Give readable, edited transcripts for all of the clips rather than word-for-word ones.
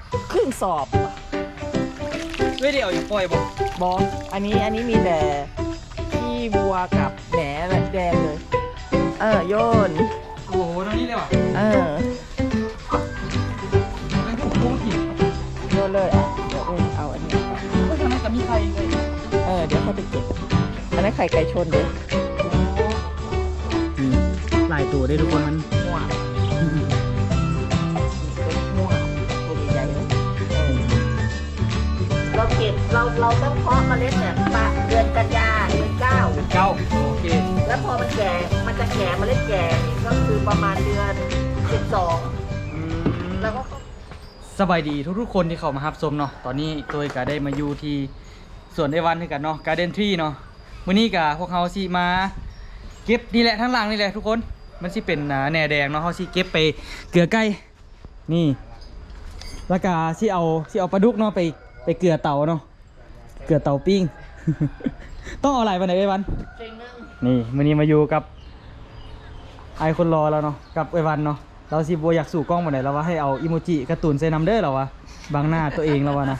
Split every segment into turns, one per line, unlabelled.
ครึ่งสอบ
ไม่ได้เอาอย่างปล่อยบ่
บออันนี้มีแต่ขี้วัวกับแหนแดงเลย โยน
โอ้โหตรงนี้เลยว่ะ เป็นพวกโค้งถิ่น
โยนเลยเดี๋ยวเอาอันนี้
ก็ทำไมกับมีใครเลย
เดี๋ยวเขาไปเก็บอันนั้นไข่ไก่ชนเดี๋ยว
หลายตัวได้ทุกคนมัน
ม่วงเป็นม่วงตัวใหญ่ๆเลยเราเก็บเราต้องเพาะเมล็ดเนี่ยเดือนกันยาเดือน9
เก้าโอเค
แล้วพอมันแก่มันจะแก่เมล็ดแก่นี่ก็คือประมาณเดือน12แล้วก็
สบายดีทุกๆคนที่เข้ามารับชมเนาะตอนนี้ตัวก็ได้มาอยู่ที่สวนไอวันด้วยกันเนาะการ์เดนทรีเนาะมื้อนี้ก็พวกเขาสิมาเก็บนี่แหละทั้งหลังนี่แหละทุกคนมันสิเป็นแหน่แดงเนาะเขาสิเก็บไปเกลือไก่นี่แล้วก็สิเอาปลาดุกเนาะไปเกลือเตาเนาะเกลือเตาปิ้ง ต้องเอาอะไรไปไหนไอวัน
เซ็งนึง
นี่มื้อนี้มาอยู่กับไอคนรอแล้วเนาะกับไอวันเนาะเราสิบัวอยากสู่กล้องมาไหนเราว่าให้เอาอิโมจิการ์ตูนใส่นำเด้อเราวะบังหน้าตัวเองเราวะนะ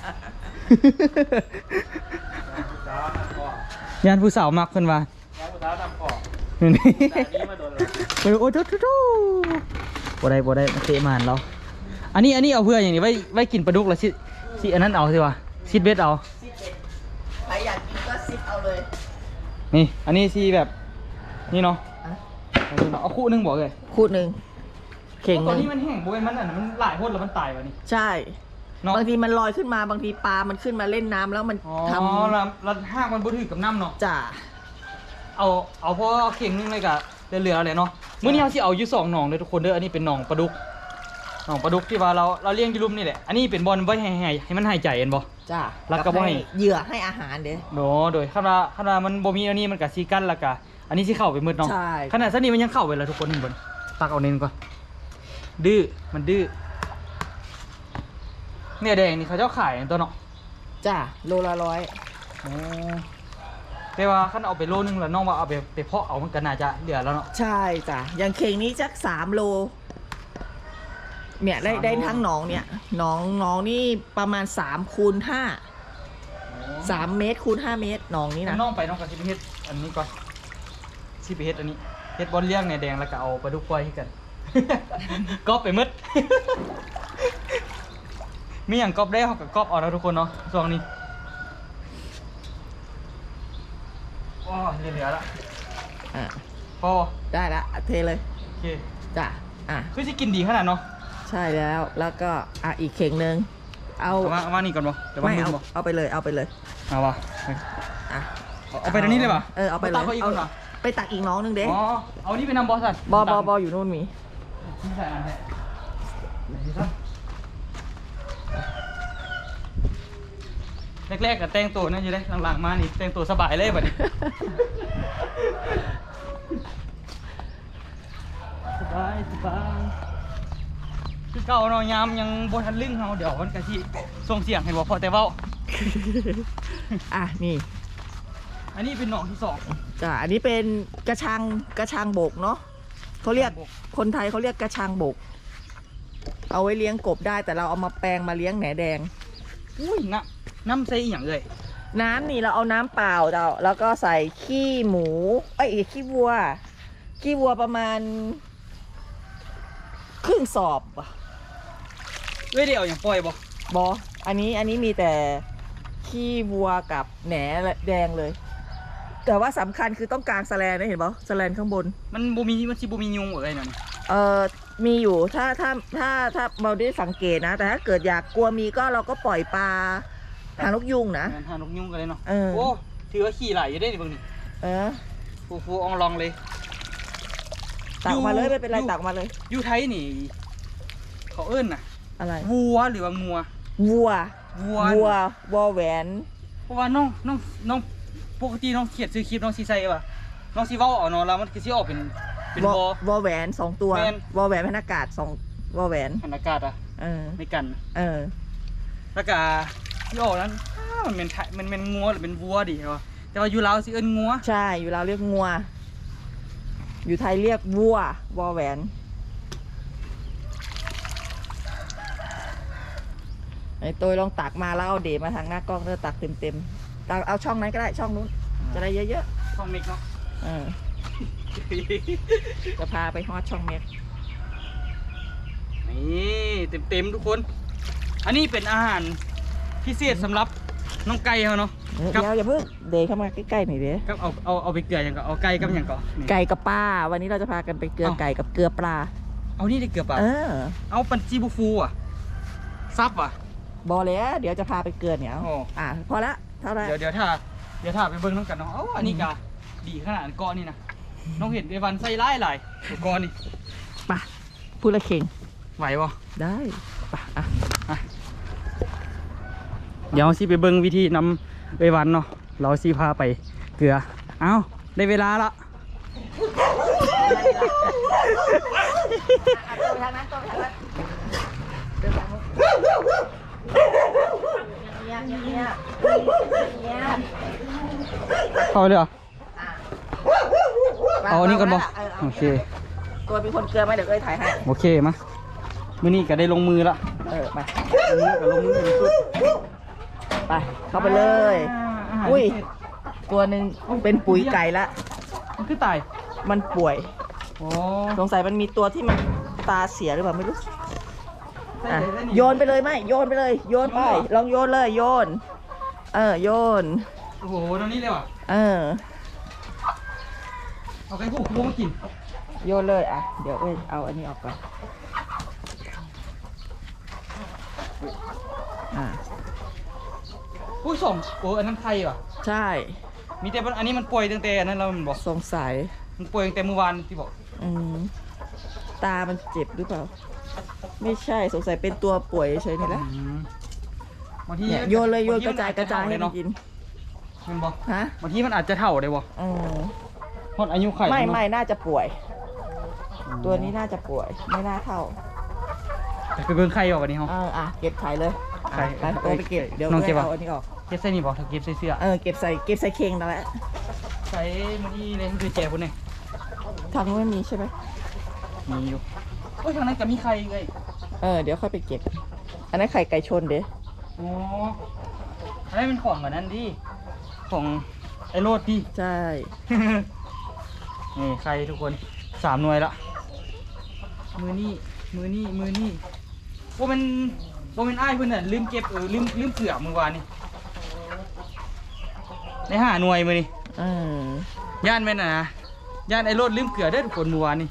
ยานผู้สาวมักเพิ่นว่า
ผู้สาวทำของ
นี่
แต่นี้มาโดนเลย
โอ้โหบ่ได้มาเตะมานเราอันนี้เอาเพื่ออย่างนี้ไว้กินปลาดุกแล้วสิอันนั้นเอาสิวะซิดเบ็ดเอา
ใครอยากกินก็ซิปเอาเลย
นี่อันนี้สิแบบนี่เนาะ
อ่ะ
อันนี้เนาะเอาคู่หนึงบอกเลย
ขูดหนึ่งเข่งห
ตอน
นึ่ง
นี้มันแห้งบ่เป็นมันอันนั้นมันหลายพ่นแล้วมันตายวะนี่
ใช่
เนาะ
บางทีมันลอยขึ้นมาบางทีปลามันขึ้นมาเล่นน้ำแล้วมัน
อ๋อ
ท
แล้วห้างมันบ่ถือกับน้ำเนาะ
ำจ่า
เอาพอเอาเข่งนึงเลยกะเหลือๆเลยเนาะมื้อนี้เราสิเอาอยู่2หนองเลยทุกคนเด้ออันนี้เป็นหนองปลาดุกที่ว่าเราเลี้ยงอยู่ลุ่มนี่แหละอันนี้เป็นบอลไว้ให้มันหายใจเห็นบ่
จ้า
แล้วก็บ่ให้
เหยื่อให้อาหารเด้
โดโดยคันว่ามันบ่มีอันนี้มันก็สิกั้นแล้วก็อันนี้สิเข้าไปมืดเนาะ
ใช่
ขนาดซันนี้มันยังเข้าไปแล้วทุกคนนี่เบิ่งตักเอาเน้นก่อนดื้อมันดื้อเนี่ยแดงนี่เขาเจ้าขายตัวเนาะ
จ้าโลละ100
อ๋อแต่ว่าคันเอาไปโลนึงแล้วน้องว่าเอาไปเพาะเอามันก็น่าจะเหลือแล้วเนาะ
ใช่จ้ะอย่างเข่งนี้จัก3 โลเนี่ยได้ทั้งหนองเนี่ยหนองนี่ประมาณ3 คูณ 5 3 เมตรคูณ 5 เมตรหนองนี้นะ
น้องก็สิไปเฮ็ดอันนี้ก่อนสิไปเฮ็ดอันนี้เฮ็ดบอลเลี้ยงเนี่ยแดงแล้วก็เอาปลาดุกปล่อยให้กัน ก๊อปไปหมด มีหยังก๊อปได้เฮาก็ก๊อปเอาแล้วทุกคนเนาะช่วงนี้ว้าเหลือละ
อ่ะ
พอ
ได้ละเทเลย
โอเค
จ้ะ
คือสิกินดีขนาดเนาะ
ใช่แล้วก็อีกเข่งหนึ่งเอา
เอามานี่ก่อนบ่เดี๋ยว
ไม่
ลื
เอา
บ่
เอาไปเลยเอาไปเลย
เอาว่ะ
อ่ะ
เอาไปตรงนี้เลยป่ะ
เอาไปเลย
ตักเขาอีกคนเหรอ
ไปตักอีกน้องนึงเด้
อ๋อเอานี่ไปนำบอสสัตว์
บอยู่นู่นมี
ไม่ใช่อันแท้แรกๆกับแต่งตัวนั่นอยู่เลยหลังๆมานี่แต่งตัวสบายเลยบัดนี้ สบายคือเก่าเนาะยามยังบ่ทันลึงเฮาเดี๋ยวมันก็สิส่งเสียงให้บ่พอแต่เว้า
นี่
อันนี้เป็นหนองที่2
จ้ะอันนี้เป็นกระชังบกเนาะเขาเรียกคนไทยเขาเรียกกระชังบก เอาไว้เลี้ยงกบได้แต่เราเอามาแปลงมาเลี้ยงแหนแดง
อุ้ยน้ำใส่อีหยังเอ่ย
น้ำนี่เราเอาน้ำเปล่าแล้วก็ใส่ขี้หมูขี้วัวประมาณครึ่งสอบ
เว้ยได้เอาหยังปล่อยบ่
บออันนี้มีแต่ขี้วัวกับแหนแดงเลย แต่ว่าสำคัญคือต้องกางแสแลนนะเห็นปะแสแลนข้างบน
มันสิบ่มียุงเอ่ยนั่น
มีอยู่ถ้าเราได้สังเกตนะ แต่ถ้าเกิดอยากกลัวมีก็เราก็ปล่อยปลาหางนกยุงนะ
หานกยุงกันเลยเนาะ
โอ้
ถือว่าขี่ไหลอยู่ได้ดิเบิ่งนี่ ฟูอองลองเลย
ตักมาเลยไม่เป็นไรตักมาเลย
อยู่ไทยนี่เขาเอิ้นน่ะ
อะไร
วัวหรือว่างัว
วัว วอแหวน
เพราะว่าน้องปกติน้องเขียนซื้อคลิปน้องสิใส่ป่ะน้องสิเว้าเอาเนาะแล้วมันคือสิออกเป็นวอ
วอแหวน2 ตัว
แม่น
วอแหวนพนอากาศ2 วอแหวน
หันอากาศอ่ะไม่กัน แล้วก็ที่ออกนั้นมันเป็นงัวหรือเป็นวัวดิเหรอแต่ว่าอยู่ลาวสิเอิ้นงัว
ใช่อยู่เราวเรียกงัว อยู่ไทยเรียกวัววอแหวนไอ้ตัวลองตักมาแล้วเอาเดมาทางหน้ากล้องแล้วตักเต็มตักเอาช่องนั้นก็ได้ช่องนู้นจะได้เยอะ
ช่องมิกเนาะ
จะพาไปฮอดช่องเม็ก
นี่เต็มทุกคน อันนี้เป็นอาหารพิเศษสำหรับน้องไก่เขาเนาะ
เดี๋ยวอย่าเพิ่งเดเข้ามาใกล้ๆหน่อยเด้
ครับเอาไปเกลืออย่างก็เอาไก่กับอย่างก็นี่
ไก่กับปลาวันนี้เราจะพากันไปเกลือไก่กับเกลือปลา
เอานี่ได้เกลือป่ะ เอาปันจีบูฟูอ่ะซับอ่ะ
บอแล้วเดี๋ยวจะพาไปเกลือเนี่ย
โอ้
พอละเท่าไหร่
เดี๋ยวถ้าไปเบิ้งน้องกันเนาะอันนี้ก็ดีขนาดก้อนนี่นะน้องเห็นไอ้วันใส่ไล่หลายก้อนนี่
ไปพูดละเข่ง
ไหวบ่
ได้ไป
เดี๋ยวสิไปเบิ้งวิธีนำไอ้วันเนาะเราสิพาไปเกลือเอาได้เวลาละ
ตัวทางนั้นตัวทางนั้นเดินทางนู้นเนี่ย
เข้าเลยเหรอเอาอันนี้ก่อนบ่โอเค
ตัวเป็นคนเกลือไหมเดี๋ยวเอ้ยถ่ายให้
โอเคมามื้อนี้ก็ได้ลงมือละ
ไป
มื้อนี้ก็ลงมือเป็นสุด
ไปเข้าไปเลย อุ้ยตัวหนึ่งเป็นปุ๋ยไก่ละ
มันคือตาย
มันป่วย
โอ้
สงสัยมันมีตัวที่มันตาเสียหรือเปล่าไม่รู้โยนไปเลยไหมโยนไปเลยโยนไปลองโยนเลยโยนโยน
โอ้โหตอนนี้เลยว่ะ เอาไก่ผูกมากิน
โยนเลยเดี๋ยวเอ้ยเอาอันนี้ออกก่อน
ผู้สมอันนั้นไทยว่ะ
ใช่
มีแต่อันนี้มันป่วยตั้งแต่อันนั้นเรามันบอก
สงสัย
มันป่วยตั้งแต่เมื่อวานที่บอก
ตามันเจ็บหรือเปล่าไม่ใช่สงสัยเป็นตัวป่วยเฉยนี่แหละ
บางที
เนี่ยโยนเลยโยนกระจายให้มันกิน
มันบอก
ฮะ
บางทีมันอาจจะเท่าได้บอกเพราะอายุไข่
ไม่น่าจะป่วย ตัวนี้น่าจะป่วยไม่น่าเท่า
ไปเบิ่งไข่ออกอันนี้เหรอ
เก็บไข่เลยไปตัวไปเก็บเดี๋ยว
น้องเก็บ
เอาอันนี้ออก
เก็บใส่นี่บอกถ้าเก็บใส่เสื้อ
เก็บใส่เข่งนั่นแหละ
ใส่มันนี่เลยคือแจกคนเนี่ย
ทางนู้นไม่มีใช่ไหม
มีอยู่โอ้ยทางนั้นก็มีไข่เลย
เดี๋ยวค่อยไปเก็บ อันนั้นไข่ไก่ชนเด้
โอ้อันนั้นเป็นของแบบนั้นดิของไอ้โรดดิ
ใช่
นี่ไข่ทุกคน3 หน่วยละมือนี่ว่ามันอ้ายเพื่อนน่ะลืมเก็บลืมเผื่อมือวานนี่ใน5 หน่วยมือนี่ย่านแม่นนะย่านไอ้โรดลืมเผื่อได้อทุกคนมือวานนี่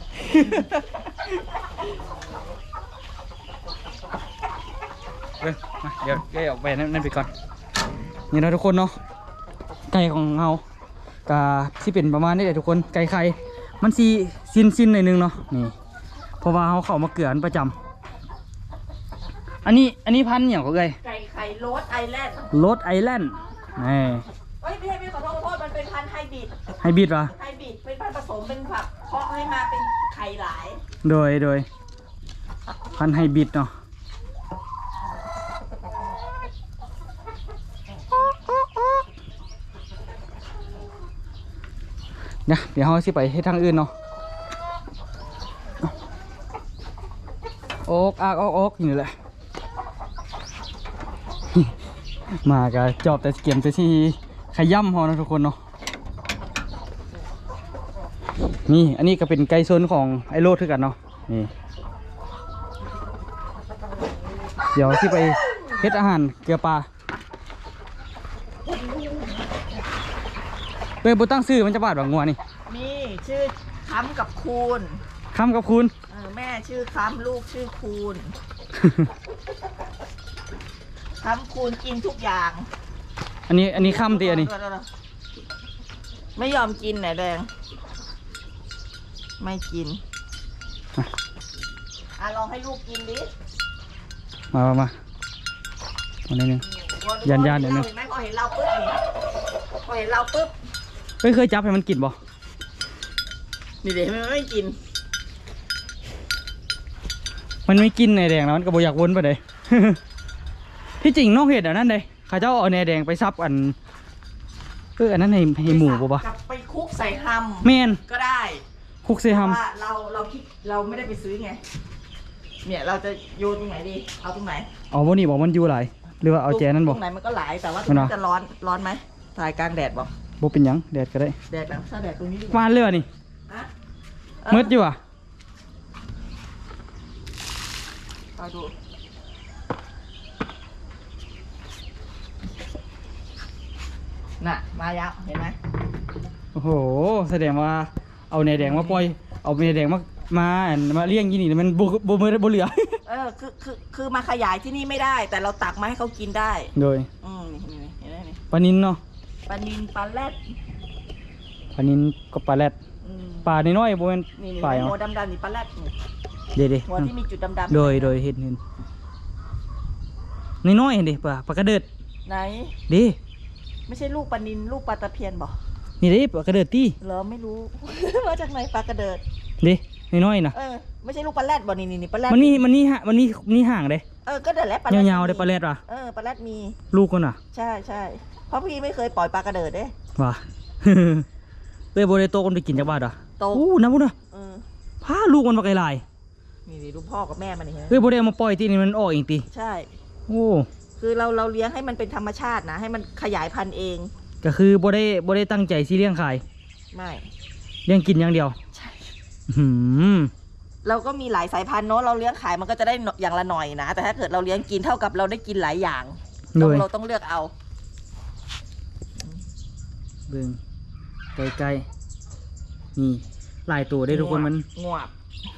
มาเดี๋ยวแกออกไปนั่นไปก่อนนี่นะทุกคนเนาะไก่ของเราก็ที่เป็นประมาณนี้แหละทุกคนไก่ไข่มันซีซินหน่อยนึงเนาะนี่เพราะว่าเขาเข้ามาเกลือประจำอันนี้พันธุ์อย่างก็เลย
ไก่ไข่โรสไอแลนด์
โรสไอแลนด์นี่
ไม่ใช่ไม่ขอโทษมันเป็นพันธุ์ไฮบริด
ไฮบริดวะ
ไฮบริดเป็นพันธุ์ผสมเป็นผักเพาะให้มาเป็นไข่หลาย
โดยพันธุ์ไฮบริดเนาะเดี๋ยวเราสิไปให้ทางอื่นเนาะโอ๊กอากโอ๊กอยู่แหละ มาก็จอบแต่เกมแต่ที่ขย่ำพอนะทุกคนเนาะนี่อันนี้ก็เป็นไก่ชนของไอโรดคือกันเนาะนี่เดี๋ยวที่ไปเฮ็ดอาหารเกลือปลาเป้บุตั้งซื้อมันจะบาดแบบงัวนี่
มีชื่อค้ำกับคูณ
คำกับคุณ
แม่ชื่อค้ำลูกชื่อคูณ ค้ำคูณกินทุกอย่าง
อันนี้คำตีอันนี้
ไม่ยอมกินไหนแดงไม่กินลองให้ลูกกินดิ
มาอันนี้นึง ยันเดี๋ยวนึง
เห็นไหมพอเห็นเราปุ๊บนี่พอเห็นเราปุ๊บ
เคยจับให้มันกินบ่
นี่เดี๋ยวมันไม่กิน
มันไม่กินในแดงแล้วมันก็บ่อยากวนไปเลย ที่จริงนอกเหตุอันนั้นเลยข้าเจ้าเอาในแดงไปซับอันอันนั้นให้หมูบ่ปะ
กลับไปคุกใส่ฮัม
แมน
ก็ได้
คุกเซฮัม
ว่าเราคิดเราไม่ได้ไปซื้อไงเนี่ยเราจะโยนตรงไหนดีเอาตรงไหน
เอาบ่นี่บอกมันอยู่หลายหรือว่าเอาแจนั่นบ่
ตรงไหนมันก็หลายแต่ว่าตรงนี้จะร้อนไหมถ่ายกลางแดดบอก
บ่เป็นหยังแดดก็ได้
แดดนะถ้าแดดตรงนี้ดีก
วา
ว่าน
เลยว่ะนี่
ฮะ
มืดอยู่อ่ะ
เอาดูน่ะมาแล้วเห็นไหม
โอ้โหแสดงว่าเอาแหนแดงมาปล่อยเอาแหนแดงมาเลี้ยงยี่นี่มันบ่เหลือ
คือมาขยายที่นี่ไม่ได้ แต่เราตักมาให้เขากินได้
โดย
นี่เห็นไหมนี่
ปลานินเนาะ
ปลานิลปลาแรด
ปลานินก็ปลาแรด
อืม
ปลาน้อยๆบ่แม่น
นี่
ปลา
หั
เนาะ
วดำๆนี่ปลาแรดนี่
เด้
หัวที่มีจุดดำ
ๆโดยเห็นน้อยๆเห็นดิปลากระเดิด
ไหน
เด้
ไม่ใช่ลูกปลานิลลูกปลาตะเพียนบอก
นี่เด้ปลากระเดิดติ
เหรอไม่รู้ มาจากไหนปลากระเดิด
เด้น้อยๆน่ะ
ไม่ใช่ลูกปลาแรดบอกนี่ปลาแรด
มันนี่ห่างเด้
ก็เดินแล้วปลาแรด
ยาวๆเด้ปลาแรดว่ะ
ปลาแรดมี
ลูกก็น่ะ
ใช่เพราะพี่ไม่เคยปล่อยปลากระเดิดเด้
ว่ะ เอ้ยบ่ได้โตกันไปกินจักบาทอ่ะ
โต
อู้น้ำพุ่นน่ะ พาลูกมันมาไกลหลาย
นี่ดูพ่อกับแม่มันนี่เห็นไหม
เฮ้ยบ่ได้เอามาปล่อยที่นี่มันออกเองติ
ใช่
โอ้
คือเราเลี้ยงให้มันเป็นธรรมชาตินะ ให้มันขยายพันธุ์เอง
ก็คือบ่ได้ตั้งใจสิเลี้ยงขาย
ไม่
เลี้ยงกินอย่างเดียว
ใช่
หืม
เราก็มีหลายสายพันธุ์เนาะเราเลี้ยงขายมันก็จะได้อย่างละหน่อยนะ แต่ถ้าเกิดเราเลี้ยงกินเท่ากับเราได้กินหลายอย่าง
โดย
เราต้องเลือกเอา
เบิ่งใกล้ๆนี่หลายตัวได้ทุกคนมัน
งวบ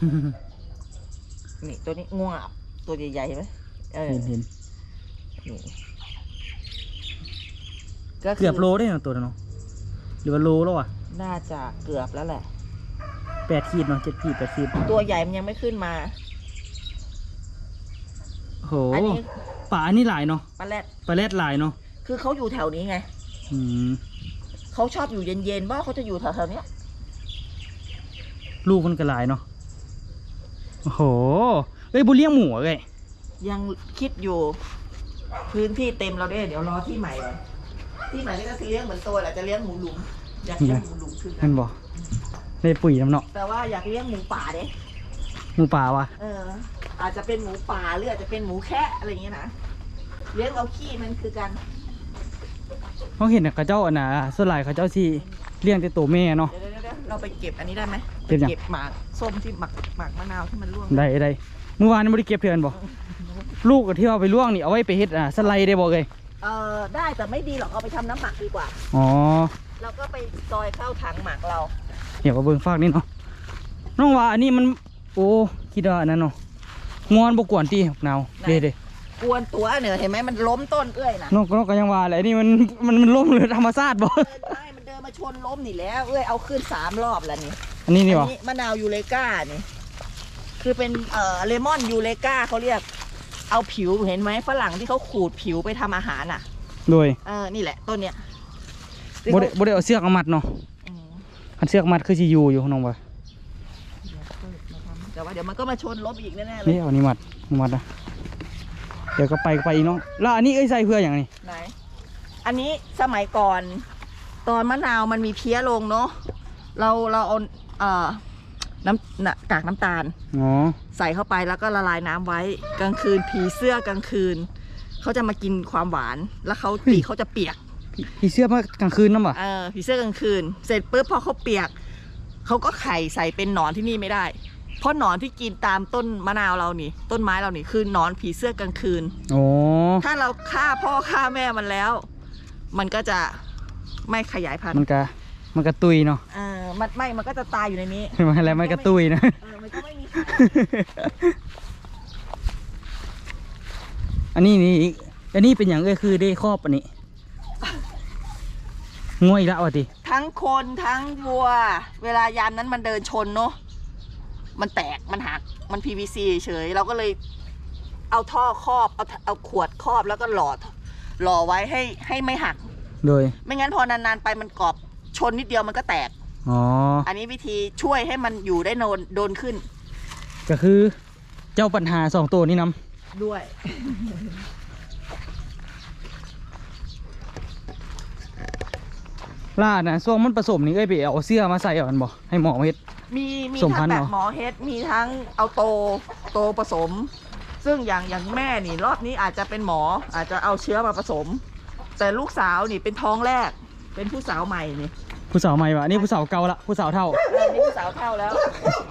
นี่ตัวนี้งวบตัวใหญ่ๆเห็นไหม
เห็น
นี่ก็
เกือบโลได้เนาะตัวนั้นเนาะหรือว่าโลแล้วอ่ะ
น่าจะเกือบแล้วแหละ
8 ขีดเนาะ7 ขีด8 ขีด
ตัวใหญ่มันยังไม่ขึ้นมา
โอ้โห
อันนี้
ปลาอันนี้หลายเนาะ
ปลาแรด
ปลาแรดหลายเนาะ
คือเขาอยู่แถวนี้ไง
อืม
เขาชอบอยู่เย็นๆว่าเขาจะอยู่แถวๆเนี้ย
ลูกมันก็หลายเนาะโอ้โหเอ้ยบ่เลี้ยงหมูอะเอ้ย
ยังคิดอยู่ พื้นที่เต็มเราได้เดี๋ยวรอที่ใหม่ก่อนที่ใหม่นี่ก็คือเลี้ยงเหมือนตัวแหละจะเลี้ยงหมูหลุมอยากเลี้ยงหมูหลุมคือกั
นั่
น
นบ่ได้ปุ๋ยน้ำเนาะ
แต่ว่าอยากเลี้ยงหมูป่าเด้
หมูป่าวะ
อาจจะเป็นหมูป่าหรืออาจจะเป็นหมูแคะอะไรอย่างเงี้ยนะเลี้ยงเอาขี้มันคือกัน
เขาเห็นน่ะเขาเจ้าอันน่ะส่วนหลายเขาเจ้าสิเลี้ยงแต่ตัวแม่เนาะ
เดี๋ยวเราไปเก็บอันนี้ได้ไหม
เก็บยัง
เก็บหมากส้มที่หมักมะนาวที่มันร่วง
ได้เมื่อวานนี่บ่ได้เก็บเทือนบ่ลูกที่เอาไปล่วงนี่เอาไว้ไปเฮ็ดสไลด์ได้บ่เอ้ย
ได้แต่ไม่ดีหรอกเอาไปทำน้ำหมักดีกว่า
อ๋อ
เราก็ไปซอยเข้าถังหมักเรา
เดี๋ยวก็เบิ่งฝากนี่เนาะน้องว่าอันนี้มันโอ้คิดว่าอันนั้นเนาะงอนบ่กวนติหนาวเด้
กวนตัวเนี่ยเห็นไหมมันล้มต้นเอื้อยนะ
น้องก็ยังว่าแหละนี่มันล้มเลยธรรมชาติบ่
มันเดินมาชนล้มนี่แล้วเอ้ยเอาขึ้น3 รอบแล้วนี่
อันนี้นี่บ่
มะนาวยูเลกานี่คือเป็นเลมอนยูเลกาเขาเรียกเอาผิวเห็นไหมฝรั่งที่เขาขูดผิวไปทำอาหารอ่ะ
โดย
นี่แหละต้นเนี้ย
บ่ได้เอาเสือกมามัดเนาะ
อืม
คันเสือกมัดคือสิอยู่น้องว่า
แต่ว่าเดี๋ยวมันก็มาชนล้มอีกแน่ๆเล
นี่
ย
เอานี่มัดนะเดี๋ยวก็ไปอีกเนาะแล้วอันนี้ใส่เพื่ออย่างนี้
ไหนอันนี้สมัยก่อนตอนมะนาวมันมีเพี้ยลงเนาะเราเอากากน้ำตาล
อ๋อ
ใส่เข้าไปแล้วก็ละลายน้ำไว้กลางคืนผีเสื้อกลางคืนเขาจะมากินความหวานแล้วเขาปีกเขาจะเปียก
พี่เสื้อมากลางคืนน้ำบ่
ผีเสื้อกลางคืน เสร็จปุ๊บพอเขาเปียกเขาก็ไข่ใส่เป็นหนอนที่นี่ไม่ได้ เพราะหนอนที่กินตามต้นมะนาวเรานี่ต้นไม้เรานี่คือหนอนผีเสื้อกลางคืน
โอ้
ถ้าเราฆ่าพ่อฆ่าแม่มันแล้ว มันก็จะไม่ขยายพันธุ์
มันกระตุยเนาะ
มันก็จะตายอยู่ในนี้
มันอะไรมันกระตุยนะ
มันก็ไม่มีไข่
อันนี้เป็นอย่างคือได้ครอบอันนี้ง่วยแล้วอ่ะติ
ทั้งคนทั้งวัว เวลายามนั้นมันเดินชนเนาะมันแตกมันหักมัน PVC เฉยเราก็เลยเอาท่อครอบเอาขวดครอบแล้วก็หล่อไว้ให้ไม่หัก
โดย
ไม่งั้นพอนานๆไปมันกรอบชนนิดเดียวมันก็แตก
อ๋อ
อันนี้วิธีช่วยให้มันอยู่ได้โดนขึ้น
ก็คือเจ้าปัญหา2ตัวนี้นำ
ด้วย
ล่านะช่วงมันผสมนี่ไปเอาเสื้อมาใส่เอามันบ่ให้หมอเฮ็ด
มี
สม
ทั้
พัน
ง
ธุ์
แบ
เหร
บ
อ
หมอเฮดมีทั้งเอาโตตผสม ซึ่งอย่างแม่นี่รอบนี้อาจจะเป็นหมออาจจะเอาเชื้อมาผสม แต่ลูกสาวนี่เป็นท้องแรกเป็นผู้สาวใหม่นี่
ผู้สาวใหม่วะนี่ผู้สาวเก่าละผู้สาวเท่า
นี่ผู้สาวเท่าแล้ว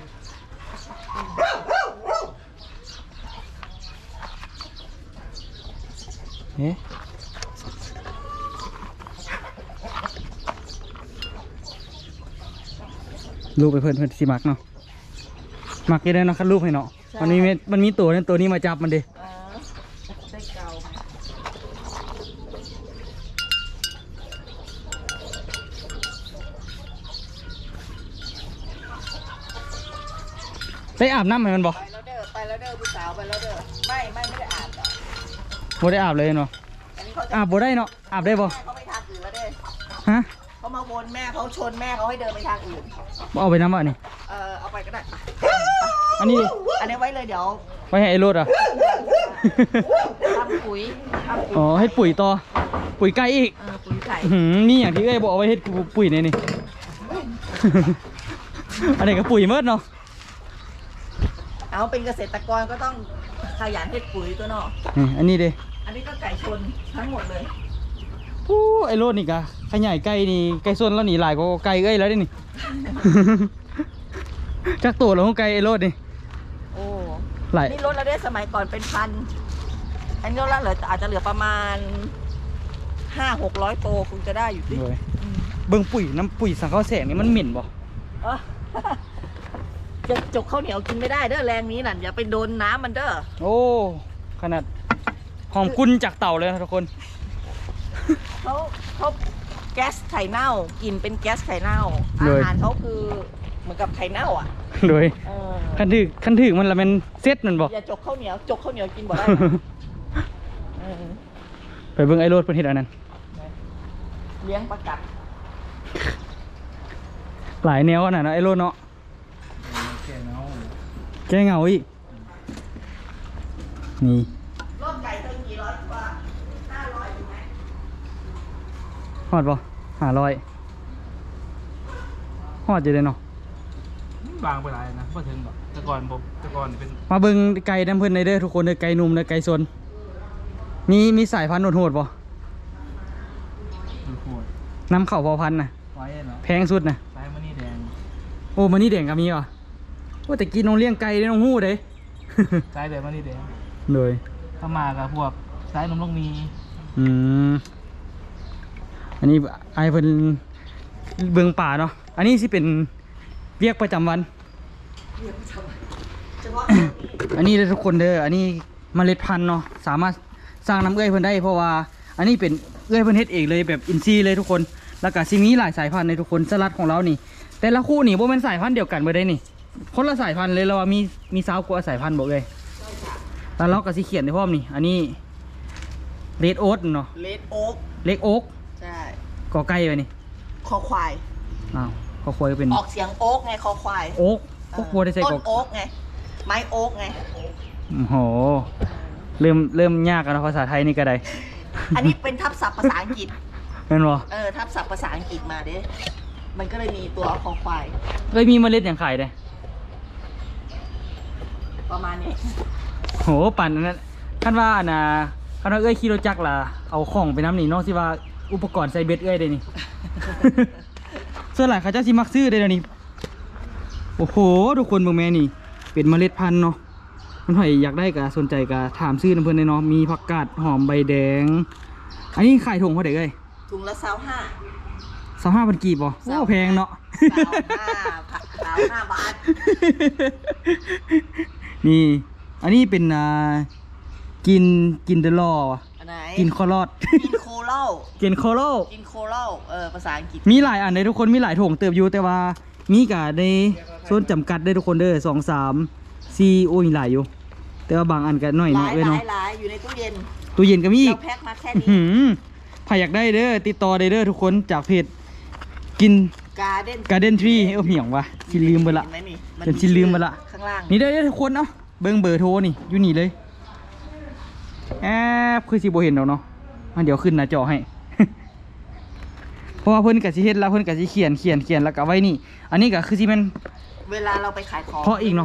เอ๊ะลูกไปเพิ่นสิมักเนาะมักยังได้เนาะคัดลูกให้เนาะมันมีตัวนี้มาจับมันดิ
ได้เกา
ได้อาบน้ำให้มันบ่
ไปแล้วเด้อผู้สาวไปแล้วเด้อไม่ได้อาบหรอก
บ่ได้อาบเลยเนาะ
อันนี้เขาจะ
อาบบ่ได้เนาะอาบได้บ่
แม่เขาไปทางอื่นแล้วเด้อ
ฮะ
เขามาวนแม่เขาชนแม่เขาให้เดินไปทางอื่น
บ่เอาไปน้ำบ่นี่
เอาไปก็ได้
อันนี้
อันนี้ไว้เลยเดี๋ยว
ไว้ให้ไอ้รถอ่ะ
ทำปุ๋ย
อ๋อให้ปุ๋ยต่อปุ๋ยไก่อีก
ปุ๋ยไก่
นี่อย่างที่เอ้ยบอกเอาไว้ให้ปุ๋ยนี่ อันนี้ก็ปุ๋ยเมิดเนาะ
เอาเป็นเกษตรกรก็ต้องขยันให้ปุ๋ยตัวเนาะ
อันนี้เด้
อันนี้ก็ไก่ชนทั้งหมดเลย
ผู้ไอ้รถนี่กะขยายไก่นี่ไก่ส่วนแล้วนี่หลายกว่าไก่เอ้ยแล้วเด้นี่ จักตัวแล้วของไก่ไอ้รถนี่
โอ้
หลาย
นี่ลดแล้วได้สมัยก่อนเป็นพัน อันนี้ลดแล้วเหลืออาจจะเหลือประมาณ500-600 โตคงจะได้อยู่ดิ
เลยเบิ่งปุ๋ยน้ำปุ๋ยสังข้าวแสงนี่มันเหม็นบ่
เออ จะจกข้าวเหนียวกินไม่ได้เด้อแรงนี้น่ะอย่าไปโดนน้ำมันเด้อ
โอ้ขนาดหอมกุนจากเต่าเลยนะทุกคน
เขาแก๊สไข่เน่ากินเป็นแก๊สไข่เน่าอาหารเขาคือเหมือนกับไข่เน่าอ่ะ
โดย
เออ
คันถึกมันละมันเซ็ตมันบ่
อย่าจกข้าวเหนียวกินบ่ได้นะเออ
ไปเบิ่งไอ้รถเพิ่นเฮ็ดอันนั้น
เลี้ยงประกัด
หลายแนวขนาดนั้นไอ้รถเนาะแกเหงาอีกนี่
รอบไก่เท่ากี่ร้อยกว่า500ถูกไหม
ฮอดบ่500ฮอดอยู่เลยเนาะ
บางไปหลายนะพอถึงแบบแต่ก่อนเป็น
มาเบิ่งไก่น้ำเพิ่นในเด้อทุกคนเด้อไก่หนุ่มเด้อไก่สนมีสายพันธุ์โหดๆบ่
โหด
นำเข้าพอพันธุ์น่ะ
ไว้เนาะ
แพงสุดน่ะ
ซ้ายมันนี่แดง
โอ้มันนี่แดงก็มีว่ะโอ้แต่กินน้องเลี้ยงไก่ได้น้องฮู้เด้
ซ้ายแบบมันนี่แดง
เลย
ถ้ามากับพวกซ้ายนมลูกมี
อืมอันนี้ไอเพิ่นเบิ่งป่าเนาะอันนี้สิเป็นเวียกประจำวัน
เฉพาะ
อันนี้เด้อทุกคนเด้ออันนี้เมล็ดพันธุ์เนาะสามารถสร้างน้ำเอื้อยเพิ่นได้เพราะว่าอันนี้เป็นเอื้อยเพิ่นเฮ็ดเองเลยแบบอินทรีย์เลยทุกคนแล้วก็สิมีหลายสายพันธุ์ในทุกคนสลัดของเรานี่ แต่ละคู่นี่บ่แม่นสายพันธุ์เดียวกันเบ่ได้นี่ คนละสายพันธุ์เลยเราว่ามีสาวกว่าสายพันธุ์บ่เอ้ยแล้วเราก็สิเขียนในพร้อมนี่ อันนี้เรดโอ๊ตเนาะ
เลดโอ๊ก
เล็กโอ๊ก
ใช่
กอไก่ไปนี่
คอควาย
อ้าวก็ควรเป็น
ออกเสียงโอ๊กไงคอควาย
โอ๊กโอ๊กบ่ได้ใส่
ต้
ก
น
อก
โอ๊กไงไม้โอ๊กไง
โอ้โหเริ่มยากแล้วนะภาษาไทยนี่ก็ได้
อันนี้เป็นทับศัพท์ภาษาอังกฤษ
แม่นบ่
ทับศัพท์ภาษาอังกฤษมาเด้มันก็เลยมีตัวคอควาย
เอ้ยมีเมล็ดอย่างไข่เด้
ประมาณนี้
โหปั่นอันนั้นคันว่าอันน่ะคันว่าเอ้ยขี่รถจักรล่ะเอาของไปน้ำนี่เนาะสิว่าอุปกรณ์ใส่เบ็ดเอ้ยได้นี่ ส่วนหลายเขาเจ้าสิมักซื้อได้แล้วนี่โอ้โหทุกคนเบิ่งแม่นี่ เป็นเมล็ดพันธุ์เนาะมันไผอยากได้ก็สนใจก็ถามซื้อนํเพิ่นได้เนาะมีผักกาดหอมใบแดง อันนี้ขายถุงเท่าใดเอ้ย
ถุงละ25
25,000กีบบ่โอ้แพงเนาะ
25 บาท
นี่ อันนี้เป็นกินเดลอวะ
อันไหน
กินคอรอด
กินโคเล่า
กินโคโล
กินโคเล่าภาษาอังกฤษ
มีหลายอันเลยทุกคนมีหลายถุงเติบอยู่แต่ว่ามีกะในโซนจำกัดได้ทุกคนเด้อ2-3-4โอ้ยหลายอยู่ แต่ว่าบางอันก็น้อย
ห
เนาะ
ลาย
เอ้ย
หลา
เนาะ
ยหลายอยู่ในตู้เย็น
ตู้เย็นก็มีอี
เรา
ก
แพ็คมาแค่
หื
นี้
มใครอยากได้เด้อติดต่อได้เด้อทุกคนจากเพจกิน
Garden
Tree เอ้าเหี่ยงวะสิลืมไปละ
เห็นไหมนี่
จนชิลืมไปละ
ข้างล่าง
นี่ได้อทุกคนเนาะเบิ่งเบอร์โทรนี่อยู่นี่เลยแอบคือสิบ่เห็นดอกเนาะอันเดี๋ยวขึ้นหน้าจอให้ เพราะว่าเพิ่นก็สิเฮ็ดแล้วเพิ่นก็สิเขียนแล้วก็ไว้นี่ อันนี้ก็คือสิแม่น
เวลาเราไปขายของ
เพราะอีกเนาะ
ถ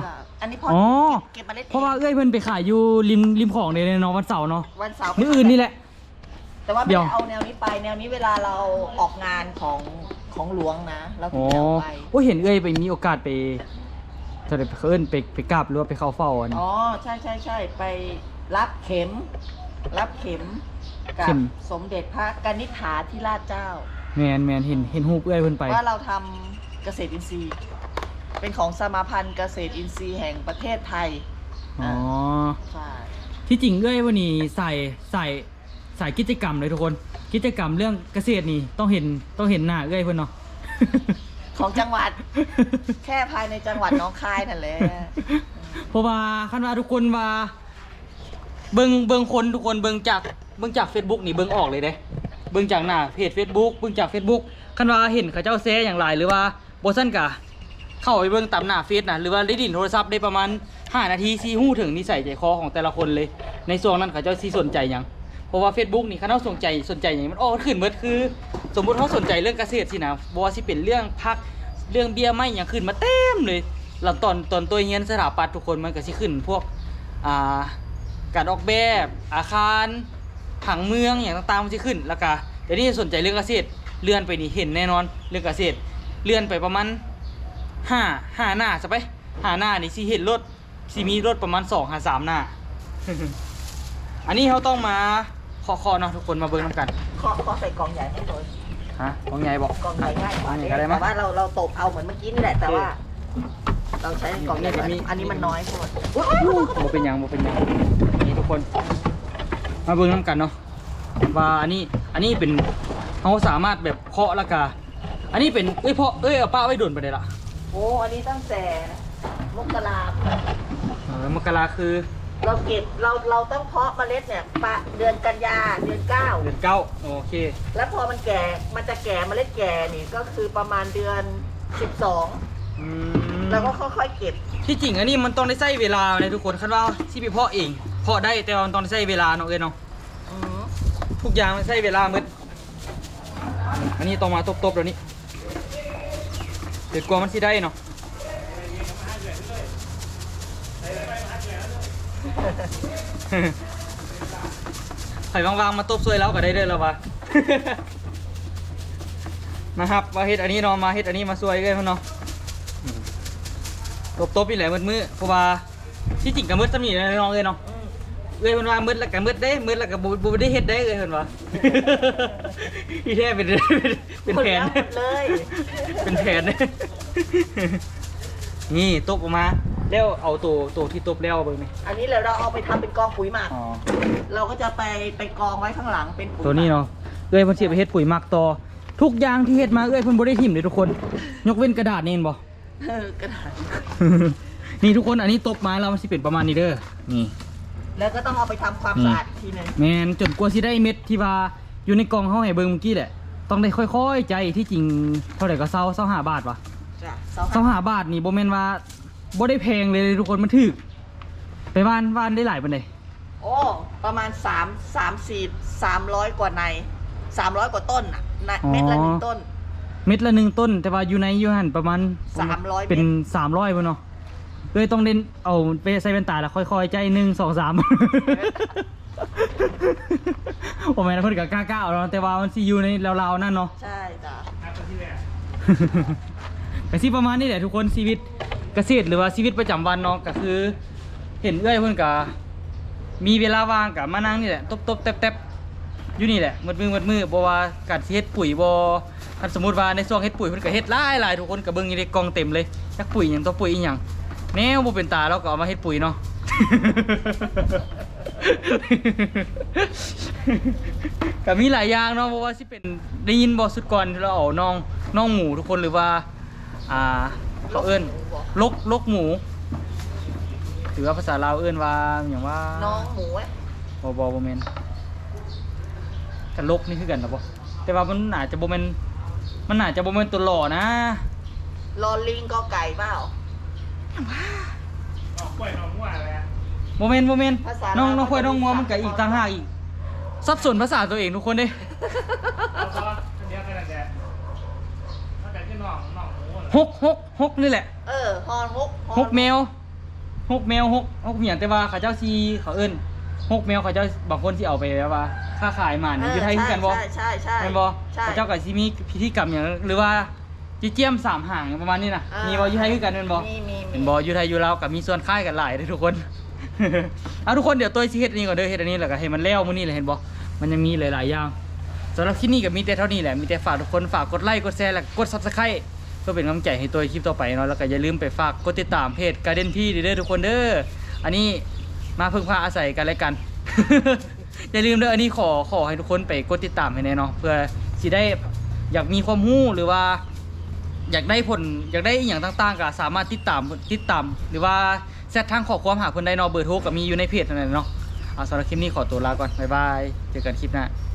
อันนี้พอ
อ๋อ
เก็บเมล็ด
เพราะว่าเอ้ยเพิ่นไปขายอยู่ริมของในเนาะวันเสาร์เนาะ
วันเสาร์
มื้ออื่นนี่แหละ
แต่ว่าไม่
เดี๋ยว
ได้เอาแนวนี้ไปแนวนี้เวลาเราออกงานของหลวงนะเราถึ
อ๋
ง
อ
จะเอาไป
โอ้ยเห็นเอ้ยไปมีโอกาสไปเท่าไหร่เอิ้นไปกราบหรือว่าไปเข้าเฝ้าอันนี้
อ๋อใช่ไปรับเข็มกั
เข็
บ
ม
สมเด็จพระกนิษฐาธิราชเจ้า
แมนเห็นรูปเอ้ยเพิ่นไป
ว่าเราทำเกษตรอินทรีย์ เป็นของสมาพันธ์เกษตรอินทรีย์แห่งประเทศไทย
อ๋อ
ใช่
ที่จริงเอ้ยวันนี้ใส่กิจกรรมเลยทุกคน กิจกรรมเรื่องเกษตรนี่ต้องเห็นหน้าเอ้ยเพิ่นเนาะ
ของจังหวัด แค่ภายในจังหวัดหนองคายนั่นแหละ
เพราะว่าคันว่าทุกคนว่าเบิ่งคนทุกคนเบิ่งจาก Facebook นี่เบิ่งออกเลยเด้เบิ่งจากหน้าเพจ Facebook เบิ่งจาก Facebook คันว่าเห็นเขาเจ้าแชร์อย่างไรหรือว่าบ่ซั่นกะเข้าไปเบิ่งตามหน้าเฟซน่ะหรือว่าได้ดินโทรศัพท์ได้ประมาณ5นาทีสิฮู้ถึงนิสัยใจคอของแต่ละคนเลย ในช่วงนั้นเขาเจ้าสิสนใจหยังเพราะว่า Facebook นี่คันเฮาสนใจหยังมันออกขึ้นเบิดคือ สมมุติเฮาสนใจเรื่องเกษตรสินะบ่ว่าสิเป็นเรื่องผักเรื่องเบี้ยไม้หยังขึ้นมาเต็มเลยแล้วตอนตัวเรียนสถาปัตย์ทุกคนมันก็สิขึ้นพวกการออกแบบอาคารผังเมืองอย่างต่างๆมันจะขึ้นแล้วก็เดี๋ยวนี้สนใจเรื่องเกษตรเลื่อนไปนี่เห็นแน่นอนเรื่องเกษตรเลื่อนไปประมาณห้าหน้าซะไป5หน้านี่สิเห็นรถสิมีรถประมาณ2 3หน้า อันนี้เขาต้องมาเคาะเนาะทุกคนมาเบิ่งนํกัน
ขอใส่กล่องใหญ่ให้หน่อย
ฮะของใหญ่บอก
กล่องใหญ่ง่ายกว่า
อันนี้ก็ได้มั้
แต่
ย
ว่าเราตบเอาเหมือนเมื่อกี้นี่แหละแต่ว่า เราใช้กล่องใหญ่กว่า
นี่
อันนี้มันน้อยโพด
บ่เป็นหยังนี่ทุกคน มาเบิ่งนํกันเนาะว่าอันนี้เป็นเขาสามารถแบบเคาะแล้วก็อันนี้เป็นเพาะเอาป้าไว้โดนไปได้ละ
โอ้อันนี้ตั้งแต่มกราคม
มกราคือ
เราเก็บเราต้องเพาะเมล็ดเนี่ยเดือนกันยาเดือนเก้า
เดือนเก้าโอเค
แล้วพอมันจะแก่เมล็ดแก่นี่ก็คือประมาณเดือน 12แล้วก็ค่อยๆเก็บ
ที่จริงอันนี้มันต้องได้ใช้เวลาเลยทุกคนคันว่าที่ไปเพาะเองเพาะได้แต่ว่ามันต้องได้ใช้เวลาเนาะเนาะ
อืม
ทุกอย่างมันใช้เวลาหมดอันนี้ต้องมาตบๆเดี๋ยวนี้เดี๋ยวกลัวมันสิได้เนาะ ไผ่วางๆมาตบซวยแล้วก็ได้เด้อแล้ววะ มาครับมาเฮ็ดอันนี้เนาะมาเฮ็ดอันนี้มาซวยเลยพ่นเนาะตบๆนี่แหละมืดๆเพราะว่าที่จริงก็มืดซะนี่นะน้องเอ้ยเนาะ
อืม
เอ้ยมันว่ามืดแล้วก็มืดได้มืดแล้วก็บ่ได้เฮ็ดได้เอ้ยเพิ่นว่า อีแท้เป็นแผน
หมดเลย
เป็นแผน นี่ตบออกมาแล้วเอาตัวที่ตบแล้วเบิ่งนี่
อันนี้เราเอาไปทำเป็นกองปุ๋ยหมัก
อ๋อ
เราก็จะไปกองไว้ข้างหลังเป็นปุ๋ย
ตัวนี้เนาะเอ้ยเพิ่นสิไปเฮ็ดปุ๋ยหมักต่อทุกอย่างที่เฮ็ดมาเอ้ยเพิ่นบ่ได้ทิ่มเลยทุกคน ยกเว้นกระดาษนี่เห็นบ่
กระดาษ
นี่ทุกคนอันนี้ตบมาแล้วมันสิเป็นประมาณนี้เด้อนี่
แล้วก็ต้องเอาไปทำความสะอาดอีกทีหนึง
แม่นจนกว่าสิได้เม็ดที่ว่าอยู่ในกล่องเฮาให้เบิ่งเมื่อกี้แหละต้องได้ค่อยๆใจที่จริงเท่าไหร่ก็25บาทวะ
จ้ะ
25บาทนี่บ่แม่นว่าบ่ได้แพงเลยทุกคนมันถูกไปว่านได้หลายปานใด
โอ้ประมาณ300 กว่าใน300 กว่าต้นอ่ะเม็ดละหนึ่งต้น
เม็ดละ1ต้น แต่ว่าอยู่ในอยู่หั่นประมาณ
300
เป็น
เม็ด
300บ่เนาะเลยต้องเล่นเอาไปใส่แว่นตาแล้วค่อยๆใจ1 2 3 โอ้แม่นเพิ่นก็กล้าๆเอาเนาะแต่ว่ามันสิอยู่ในราวๆนั่นเนาะ
ใช่จ้ะ
ก็สิประมาณนี้แหละทุกคนชีวิตเกษตรหรือว่าชีวิตประจำวันเนาะก็คือ เห็นเอ้อยเพิ่นก็มีเวลาว่างก็มานั่งนี่แหละตบๆแตบๆอยู่นี่แหละมืดมือบ่ว่าการสิเฮ็ดปุ๋ยบ่คันสมมุติว่าในช่วงเฮ็ดปุ๋ยเพิ่นก็เฮ็ดหลายๆทุกคนก็เบิ่งอยู่ในกล่องเต็มเลยจักปุ๋ยหยังตัวปุ๋ยอีหยังแนวบ่เป็นตาเราก็เอามาเฮ็ดปุ๋ยเนาะ ก็มีหลายอย่างเนาะเพราะว่าสิเป็นได้ยินบ่สุดก่อนที่เราเอาน้องหมูทุกคนหรือว่าเขาเอิ้นลกหมูหรือว่าภาษาลาวเอิ้นว่าอย่างว่า
น้องหมูอะ
บ่แม่นกันลกนี่คือกันนะบ่แต่ว่ามันอาจจะบ่แม่นตัวหล่อนะ
ลอลิงก็ไก่เปล่า
บ่แม่น
ภาษา
น้อง
ลาว
ควายน้องงัว
ก็จะมี
มันก็อีกต่างหากอีกสับสนภาษาตัวเองทุกคนเด้ หกนี่แหละ
ฮอนฮก
หกแมวหกแมวหกเหมียงแต่ว่าเขาเจ้าซีเขาเอิ้นหกแมวเขาเจ้าบางคนสิเอาไปแบบว่าค้าขายหมาเนี่ยอยู่ไทยคือกันบ่
ใช่
แม่นบ่
ใช่
เขาเจ้าก็สิมีพิธีกรรมอย่างหรือว่าจิเจียมสามหางประมาณนี้นะมีบ่อยู่ไทยคือกันแม่นบ่
มี
เป็นบ่อยู่ไทยอยู่ลาวก็มีส่วนคล้ายกันหลายเด้อทุกคน เอาทุกคนเดี๋ยวตัวสิเฮ็ดอันนี้ก่อนเด้อเฮ็ดอันนี้แล้วก็ให้มันแล้วมื้อนี้เลยเห็นบ่มันยังมีหลายๆอย่างสำหรับคลิปนี้ก็มีแต่เท่านี้แหละมีแต่ฝากทุกคนฝากกดไลค์กดแชร์และกด Subscribe เพื่อเป็นกำลังใจให้ตัวคลิปต่อไปเนาะแล้วก็อย่าลืมไปฝากกดติดตามเพจ Garden Tea เด้อทุกคนเด้ออันนี้มาพึ่งพาอาศัยกันและกัน อย่าลืมเด้ออันนี้ขอให้ทุกคนไปกดติดตามให้แน่เนาะเพื่อสิได้อยากมีความรู้หรือว่า อยากได้ผลอยากได้อหย่างต่างๆก็สามารถติดตามหรือว่าแซดทางขอความหาเพิ่นได้เนาะเบอร์โทรก็มีอยู่ในเพจนั่นแหละเนาะเอาสำหรับคลิปนี้ขอตัวลาก่อนบ๊ายบายเจอกันคลิปหน้า